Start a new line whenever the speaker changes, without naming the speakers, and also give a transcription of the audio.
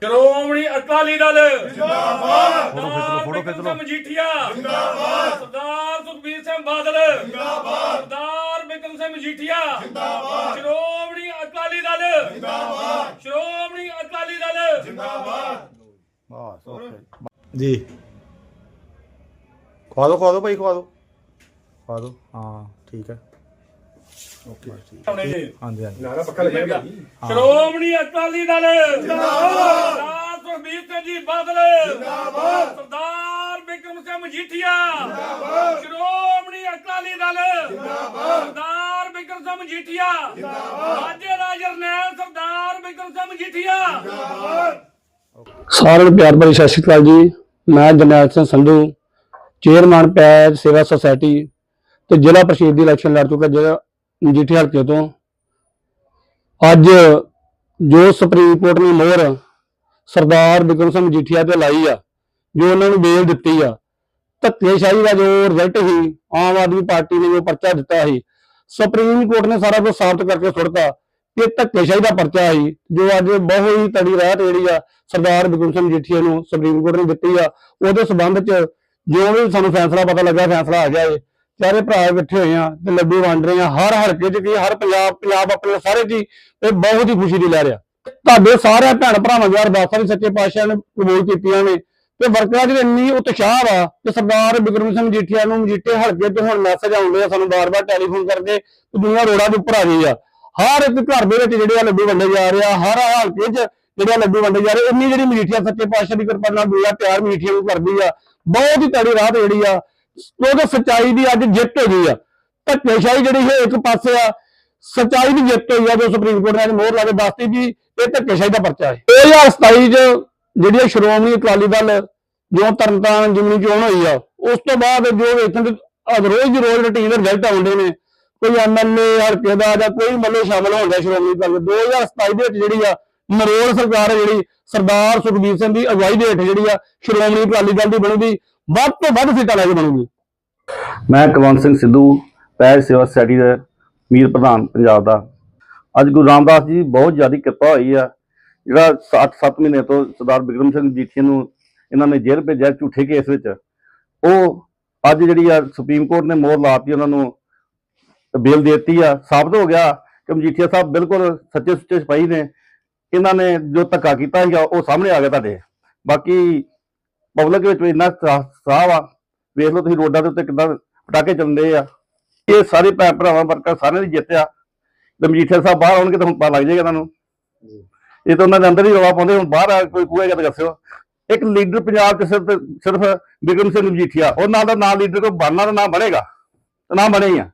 ਸ਼੍ਰੋਮਣੀ ਅਕਾਲੀ ਦਲ
ਜਿੰਦਾਬਾਦ।
ਫੋਟੋ ਖਿੱਚ ਲਓ। ਮਜੀਠੀਆ
ਜਿੰਦਾਬਾਦ।
ਸਰਦਾਰ ਸੁਖਬੀਰ ਸਿੰਘ ਬਾਦਲ
ਜਿੰਦਾਬਾਦ।
ਸਰਦਾਰ ਬਿਕਰਮ ਸਿੰਘ ਮਜੀਠੀਆ
ਜਿੰਦਾਬਾਦ।
ਸ਼੍ਰੋਮਣੀ ਅਕਾਲੀ ਦਲ
ਜਿੰਦਾਬਾਦ।
ਸ਼੍ਰੋਮਣੀ ਅਕਾਲੀ ਦਲ
ਜਿੰਦਾਬਾਦ।
ਬਸ ਓਕੇ ਜੀ। ਖਵਾ ਦਿਓ ਭਾਈ, ਖਵਾ ਦਿਓ। ਹਾਂ ਠੀਕ ਹੈ ਓਕੇ ਹਾਂਜੀ ਹਾਂਜੀ।
ਸ਼੍ਰੋਮਣੀ ਅਕਾਲੀ ਦਲ
ਜਿੰਦਾਬਾਦ।
ਸਰਦਾਰ ਸੁਖਬੀਰ ਸਿੰਘ ਜੀ ਬਾਦਲ
ਜਿੰਦਾਬਾਦ।
ਸਰਦਾਰ ਬਿਕਰਮ ਸਿੰਘ ਮਜੀਠੀਆ
ਜਿੰਦਾਬਾਦ।
ਸ਼੍ਰੋਮਣੀ ਅਕਾਲੀ ਦਲ
ਜਿੰਦਾਬਾਦ।
ਸਰਦਾਰ ਬਿਕਰਮ ਸਿੰਘ ਮਜੀਠੀਆ
ਜਿੰਦਾਬਾਦ।
ਰਾਜੇ ਦਾ ਜਰਨੈਲ ਸਰਦਾਰ ਬਿਕਰਮ ਸਿੰਘ ਮਜੀਠੀਆ।
ਜਿੰਦਾਬਾਦ।
ਸਾਰਿਆਂ ਨੂੰ ਪਿਆਰ ਭਰੀ ਸਤਿ ਸ਼੍ਰੀ ਅਕਾਲ ਜੀ। ਮੈਂ ਜਰਨੈਲ ਸਿੰਘ ਸੰਧੂ, ਚੇਅਰਮੈਨ ਪੈਜ ਸੇਵਾ ਸੁਸਾਇਟੀ ਤੇ ਜ਼ਿਲ੍ਹਾ ਪ੍ਰੀਸ਼ਦ ਦੀ ਇਲੈਕਸ਼ਨ ਲੜ ਚੁੱਕਾ ਜਿਹੜਾ ਮਜੀਠੀ ਹਲਕੇ ਤੋਂ। ਅੱਜ ਜੋ ਸੁਪਰੀਮ ਕੋਰਟ ਨੇ ਮੋਹਰ ਸਰਦਾਰ ਬਿਕਰਮ ਸਿੰਘ ਮਜੀਠੀਆ ਤੇ ਲਾਈ ਆ, ਜੋ ਉਹਨਾਂ ਨੂੰ ਬੇਲ ਦਿੱਤੀ ਆ, ਧੱਕੇਸ਼ਾਹੀ ਦਾ ਜੋ ਰਿਜ਼ਲਟ ਸੀ, ਆਮ ਆਦਮੀ ਪਾਰਟੀ ਨੇ ਜੋ ਪਰਚਾ ਦਿੱਤਾ ਸੀ, ਸੁਪਰੀਮ ਕੋਰਟ ਨੇ ਸਾਰਾ ਕੁਝ ਸਾਬਤ ਕਰਕੇ ਸੁੱਟਤਾ ਕਿ ਧੱਕੇਸ਼ਾਹੀ ਦਾ ਪਰਚਾ ਸੀ। ਜੋ ਅੱਜ ਬਹੁਤ ਹੀ ਤੜੀ ਰਾਹਤ ਜਿਹੜੀ ਆ ਸਰਦਾਰ ਬਿਕਰਮ ਸਿੰਘ ਮਜੀਠੀਆ ਨੂੰ ਸੁਪਰੀਮ ਕੋਰਟ ਨੇ ਦਿੱਤੀ ਆ, ਉਹਦੇ ਸਬੰਧ ਚ ਜੋ ਵੀ ਸਾਨੂੰ ਫੈਸਲਾ ਪਤਾ ਲੱਗਾ, ਫੈਸਲਾ ਆ ਗਿਆ ਏ। ਚਾਰੇ ਭਰਾ ਇਕੱਠੇ ਹੋਏ ਆ ਤੇ ਲੱਡੂ ਵੰਡ ਰਹੇ ਆ ਹਰ ਹਲਕੇ ਚ, ਕਿ ਹਰ ਪੰਜਾਬ ਆਪਣੇ ਸਾਰੇ ਜੀ ਇਹ ਬਹੁਤ ਹੀ ਖੁਸ਼ੀ ਦੀ ਲਹਿਰ ਆ। ਤੁਹਾਡੇ ਸਾਰੇ ਭੈਣ ਭਰਾਵਾਂ ਦੀ ਅਰਦਾਸਾਂ ਵੀ ਸੱਚੇ ਪਾਤਸ਼ਾਹ ਨੇ ਕਬੂਲ ਕੀਤੀਆਂ ਨੇ ਤੇ ਵਰਕਰਾਂ ਦੀ ਇੰਨੀ ਉਤਸ਼ਾਹ ਵਾ ਕਿ ਸਰਦਾਰ ਬਿਕਰਮ ਸਿੰਘ ਮਜੀਠੀਆ ਨੂੰ ਮਜੀਠੇ ਹਲਕੇ ਤੋਂ ਹੁਣ ਮੈਸੇਜ ਆਉਂਦੇ ਆ ਸਾਨੂੰ ਬਾਰ-ਬਾਰ ਟੈਲੀਫੋਨ ਕਰਕੇ ਕਿ ਦੁਨੀਆ ਰੋਡਾਂ ਦੇ ਉੱਪਰ ਆ ਗਈ ਆ। ਹਰ ਇੱਕ ਘਰ ਦੇ ਵਿੱਚ ਜਿਹੜੇ ਆ ਲੱਡੂ ਵੰਡੇ ਜਾ ਰਹੇ ਆ, ਹਰ ਹਲਕੇ 'ਚ ਜਿਹੜੇ ਲੱਡੂ ਵੰਡੇ ਜਾ ਰਹੇ। ਇੰਨੀ ਜਿਹੜੀ ਮਜੀਠੀਆ ਸੱਚੇ ਪਾਤਸ਼ਾਹ ਦੀ ਕਿਰਪਾ ਨਾਲ ਦੁਆ ਪਿਆਰ ਮਜੀਠੀਆ ਨੂੰ ਕਰਦੀ ਆ, ਬਹੁਤ ਹੀ ਤੜੀ ਰਾਹਤ ਜਿਹੜੀ ਆ, ਕਿਉਂਕਿ ਸੱਚਾਈ ਦੀ ਅੱਜ ਜਿੱਤ ਹੋ ਗਈ ਆ। ਧੱਕੇਸ਼ਾਹੀ ਜਿਹੜੀ ਹੈ ਇੱਕ ਪਾਸੇ ਆ, ਸੱਚਾਈ ਦੀ ਜਿੱਤ ਹੋਈ ਆ। ਜੋ ਸੁਪਰੀਮ ਕੋਰਟ ਨੇ ਮੋਹਰ ਲਾ ਕੇ ਦੱਸਤੀ ਵੀ ਇਹ ਧੱਕੇਸ਼ਾਹੀ ਦਾ ਪਰਚਾ ਹੈ। 2027 ਚ ਜਿਹੜੀ ਸ਼੍ਰੋਮਣੀ ਅਕਾਲੀ ਦਲ ਜੋ ਤਰਨਤਾਰਨ ਜ਼ਿਮਨੀ ਚੋਣ ਹੋਈ ਆ, ਉਸ ਤੋਂ ਬਾਅਦ ਜੋ ਵੇਖਣ ਰੋਜ਼ ਦੀ ਰੋਜ਼ ਰੂਟੀਨ ਦੇ ਰਿਜ਼ਲਟ ਆਉਂਦੇ ਨੇ, ਕੋਈ ਐਮਐਲਏ ਹਲਕੇ ਦਾ ਜਾਂ ਕੋਈ ਮੱਲੇ ਸ਼ਾਮਲ ਹੁੰਦਾ ਸ਼੍ਰੋਮਣੀ ਅਕਾਲੀ ਦਲ। 2027 ਦੇ ਵਿੱਚ ਜਿਹੜੀ ਆ ਨਰੋਲ ਸਰਕਾਰ ਹੈ ਜਿਹੜੀ ਸਰਦਾਰ ਸੁਖਬੀਰ ਸਿੰਘ ਦੀ ਅਗਵਾਈ ਦੇ ਹੇਠ ਜਿਹੜੀ ਆ ਸ਼੍ਰੋਮਣੀ ਅਕਾਲੀ ਦਲ ਦੀ ਬਣੂਗੀ, ਵੱਧ ਤੋਂ ਵੱਧ ਸੀਟਾਂ ਲੈ ਕੇ ਬਣੂਗੀ।
ਮੈਂ ਕੁਲਵੰਤ ਸਿੰਘ ਸਿੱਧੂ, ਪੈਜ ਸੇਵਾ ਸੁਸਾਇਟੀ ਦਾ ਮੀਰ ਪ੍ਰਧਾਨ ਪੰਜਾਬ ਦਾ। ਅੱਜ ਗੁਰੂ ਰਾਮਦਾਸ ਜੀ ਬਹੁਤ ਜ਼ਿਆਦਾ ਕਿਰਪਾ ਹੋਈ ਆ। ਜਿਹੜਾ 7 ਮਹੀਨੇ ਤੋਂ ਸਰਦਾਰ ਬਿਕਰਮ ਸਿੰਘ ਮਜੀਠੀਆ ਨੂੰ ਇਹਨਾਂ ਨੇ ਜੇਲ੍ਹ ਭੇਜਿਆ ਝੂਠੇ ਕੇਸ ਵਿੱਚ, ਉਹ ਅੱਜ ਜਿਹੜੀ ਆ ਸੁਪਰੀਮ ਕੋਰਟ ਨੇ ਮੋਹਰ ਲਾਤੀ, ਉਹਨਾਂ ਨੂੰ ਬੇਲ ਦੇ ਦਿੱਤੀ ਆ। ਸਾਬਤ ਹੋ ਗਿਆ ਕਿ ਮਜੀਠੀਆ ਸਾਹਿਬ ਬਿਲਕੁਲ ਸੱਚੇ ਸੁੱਚੇ ਸਿਪਾਹੀ ਨੇ। ਇਹਨਾਂ ਨੇ ਜੋ ਧੱਕਾ ਕੀਤਾ ਸੀਗਾ ਉਹ ਸਾਹਮਣੇ ਆ ਗਿਆ ਤੁਹਾਡੇ। ਬਾਕੀ ਪਬਲਿਕ ਵਿੱਚ ਇੰਨਾ ਉਤਸ਼ਾਹ ਆ, ਵੇਖ ਲਓ ਤੁਸੀਂ ਰੋਡਾਂ ਦੇ ਉੱਤੇ ਕਿੱਦਾਂ ਪਟਾਕੇ ਚੱਲਦੇ ਆ। ਇਹ ਸਾਰੇ ਭੈਣ ਭਰਾਵਾਂ ਵਰਕਰ ਸਾਰਿਆਂ ਦੀ ਜਿੱਤ ਆ। ਤੇ ਮਜੀਠੀਆ ਸਾਹਿਬ ਬਾਹਰ ਆਉਣਗੇ ਤਾਂ ਹੁਣ ਪਤਾ ਲੱਗ ਜਾਏਗਾ ਤੁਹਾਨੂੰ। ਇਹ ਤਾਂ ਉਹਨਾਂ ਦੇ ਅੰਦਰ ਹੀ ਰੌਲਾ ਪਾਉਂਦੇ, ਹੁਣ ਬਾਹਰ ਆ ਕੋਈ ਕਹੇਗਾ ਤਾਂ ਦੱਸਿਓ। ਇੱਕ ਲੀਡਰ ਪੰਜਾਬ 'ਚ ਸਿਰਫ ਬਿਕਰਮ ਸਿੰਘ ਮਜੀਠੀਆ, ਉਹ ਨਾਲ ਦਾ ਨਾਂ ਲੀਡਰ ਕੋਈ ਬਣਨਾ ਤਾਂ ਨਾ ਬਣੇਗਾ, ਤਾਂ ਨਾ ਬਣੇ ਹੀ ਆ।